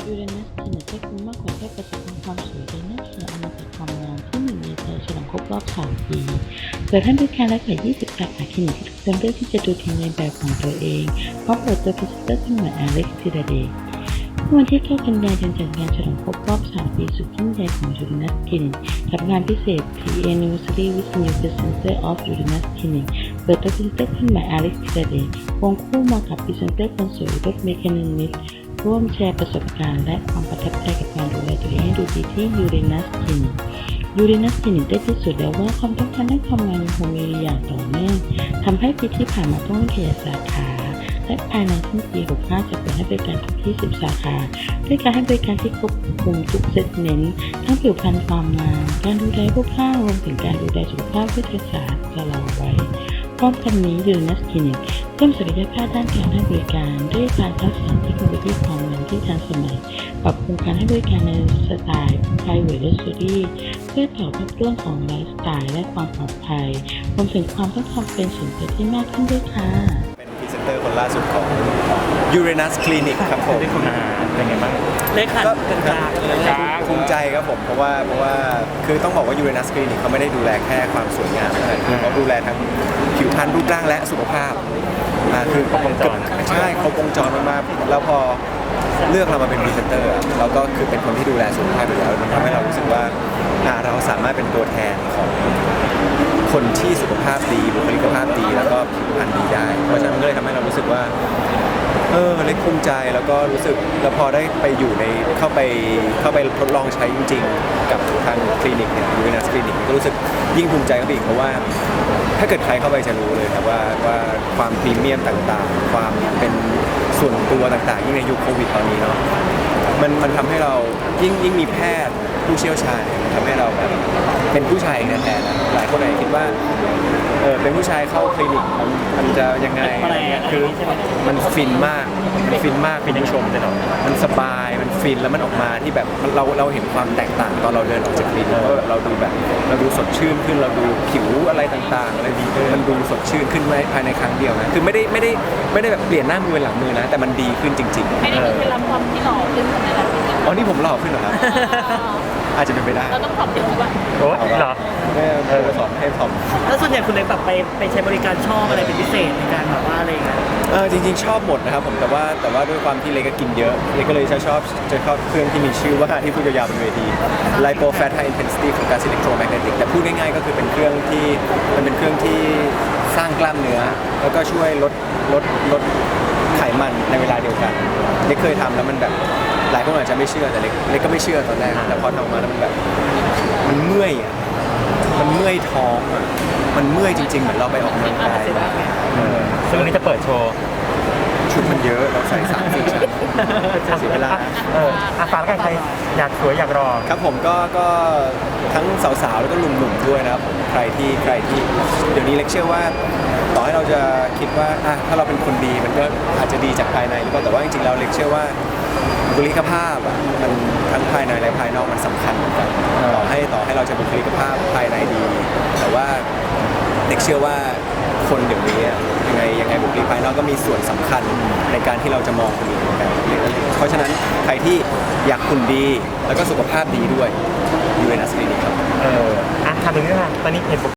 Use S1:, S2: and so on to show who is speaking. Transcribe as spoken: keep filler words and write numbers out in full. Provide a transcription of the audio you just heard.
S1: ยูเรนัสคลินิกให้คุณมากกว่าแค่ประสบความสวยเลยนะคืออมตะความงามที่หนึ่งในใจฉลองครบรอบสามปีเปิดให้บริการและกว่ายี่สิบสาขาคลินิกที่ทุกคนเลือกที่จะดูทีมในแบบของตัวเองพร้อมเปิดตัวพรีเซนเตอร์ขึ้นใหม่อเล็กซ์ธีรเดชเมื่อวันที่เก้ากันยายนจัดงานฉลองครบรอบสามปีสุดยิ่งใหญ่ของยูเรนัสคลินิกกับงานพิเศษ พี Anniversary with New Presenter of Uranus Clinic เปิดตัวพรีเซนเตอร์ขึ้นใหม่อเล็กซ์ธีรเดชควงคู่มากับพรีเซนเตอร์คนสวยรถเมคานิมิสร่วมแชร์ประสบการณ์และความประทับใจกับการดูแลตัวเองให้ดูดีที่ยูเรนัสคลินิกยูเรนัสคลินิกได้พิสูจน์แล้วว่าความต้องการด้านความงามยังคงมีอย่างต่อเนื่องทำให้ปีที่ผ่านมาต้องขยายสาขาและภายในสิ้นปีหกสิบห้าจะเปิดให้บริการถึงที่สิบสาขาด้วยการให้บริการที่ครอบคลุมทุกเซกเมนต์ทั้งผิวพรรณความงามการดูแลรูปร่างรวมถึงการดูแลสุขภาพเพื่อรักษาชะลอวัยพร้อมกันนี้ยูเรนัสคลินิกเพิ่มศักยภาพด้านการให้บริการด้วยการทักษะเทคโนโลยีความงามที่ทันสมัยปรับปรุงการให้บริการในสไตล์ Private Luxury เพื่อตอบรับเรื่องของไลฟ์สไตล์และความปลอดภัยรวมถึงความต้องการเป็นส่วนตัวที่มากขึ้นด้วยค่ะ
S2: เป็นพรีเซนเตอร์คนล่าสุดของ Uranus Clinic ครับผมเป็นไงบ้าง
S3: เลขาก็กลางเลย
S2: ภูมิใจครับผมเพราะว่าเพราะว่าคือต้องบอกว่า Uranus Clinic เขาไม่ได้ดูแลแค่ความสวยงามนะคือเขาดูแลทั้งผิวพรรณรูปร่างและสุขภาพอ่าคือครบวงจรใช่ครบวงจรมากๆแล้วพอเลือกเรามาเป็นพรีเซนเตอร์เราก็คือเป็นคนที่ดูแลสุขภาพอยู่แล้วทำให้เรารู้สึกว่าเราสามารถเป็นตัวแทนของคนที่สุขภาพดีบุคลิกภาพดีแล้วก็ผิวพรรณดีได้เพราะฉะนั้นก็เลยทำให้เรารู้สึกว่าเออเล็กภูมิใจแล้วก็รู้สึกแล้วพอได้ไปอยู่ในเข้าไปเข้าไปทดลองใช้จริงๆกับทางคลินิกเนี่ยยูเรนัสคลินิกก็รู้สึกยิ่งภูมิใจกับอีกเพราะว่าถ้าเกิดใครเข้าไปจะรู้เลยครับว่าว่าความพรีเมียมต่างๆความเป็นส่วนตัวต่างๆยิ่งในยุคโควิดตอนนี้เนาะมันมันทำให้เรายิ่งยิ่งมีแพทย์ผู้เชี่ยวชาญทำให้เราแบบเป็นผู้ชายแท้ๆนะหลายคนอาจจะคิดว่าเออเป็นผู้ชายเข้าคลินิกมันมันจะยังไงอะไรเงี้ยคือมันฟินมากมันฟินมากคุณผู้ชมจะหน่อยมันสบายมันฟินแล้วมันออกมาที่แบบเราเราเห็นความแตกต่างตอนเราเดินออกจากคลินิกว่าเราดูแบบเราดูสดชื่นขึ้นเราดูผิวอะไรต่างๆอะไรดีมันดูสดชื่นขึ้นภายในครั้งเดียวนะคือไม่ได้ไม่ได้ไม่ได้แบบเปลี่ยนหน้ามือเป็นหลังมือนะแต่มันดีขึ้นจริงๆ
S4: ไม่ได้มีเคล็ดลับความที่หล่อขึ้นขนาดนั้น
S2: อ๋อนี่ผมหล่อขึ้นเหรอครับอาจจะเป็นไปได้
S4: เราต้องปรับเปลี่ยนบ้าง
S3: โอ้เหรอ
S2: แม่เออสอนให้สอน
S3: แล้วส่วนใหญ่คุณเล็กแบบไปไปใช้บริการชอบอะไรเป็นพิเศษในการแบบว่าอะไรอย่างเงี้ย
S2: เออจริงๆชอบหมดนะครับผมแต่ว่าแต่ว่าด้วยความที่เล็กก็กินเยอะเล็กก็เลยจะชอบจะชอบเครื่องที่มีชื่อว่าที่พูดยาวๆบนเวที Lipo Fat High Intensity Focus Electromagnetic แต่พูดง่ายๆก็คือเป็นเครื่องที่มันเป็นเครื่องที่สร้างกล้ามเนื้อแล้วก็ช่วยลดลดลดไขมันในเวลาเดียวกันเล็กเคยทำแล้วมันแบบหลายคนอาจจะไม่เชื่อแต่เล็กเล็กก็ไม่เชื่อตอนแรกแต่พอทำมาแล้วมันแบบมันเมื่อยอ่ะมันเมื่อยท้องอ่ะมันเมื่อยจริงๆเหมือนเราไปออกกำลังกาย
S3: ซึ่งวันนี้จะเปิดโชว์
S2: ชุดมันเยอะเราใส่สามสี่ชั้นเสียเวลา
S3: เอออาฝากใครอยากสวยอยากรอ
S2: ครับผมก็ก็ทั้งสาวๆแล้วก็หนุ่มๆด้วยนะครับผมใครที่ใครที่เดี๋ยวนี้เล็กเชื่อว่าต่อให้เราจะคิดว่าอ่ะถ้าเราเป็นคนดีมันก็อาจจะดีจากภายในหรือเปล่าแต่ว่าจริงๆเราเล็กเชื่อว่าบุคลิกภาพอ่ะมันทั้งภายในและภายนอกมันสำคัญเหมือนกันต่อให้ต่อให้เราจะบุคลิกภาพภายในดีแต่ว่าเล็กเชื่อว่าคนเดี๋ยวนี้ยังไงยังไงบุคลิกภายนอกก็มีส่วนสำคัญในการที่เราจะมองคนอื่นเหมือนกันเพราะฉะนั้นใครที่อยากหุ่นดีแล้วก็สุขภาพดีด้วยยูเรนัสคลินิกครับ
S3: เอออ่ะทำตรงนี้ค่ะตอนนี้เห็น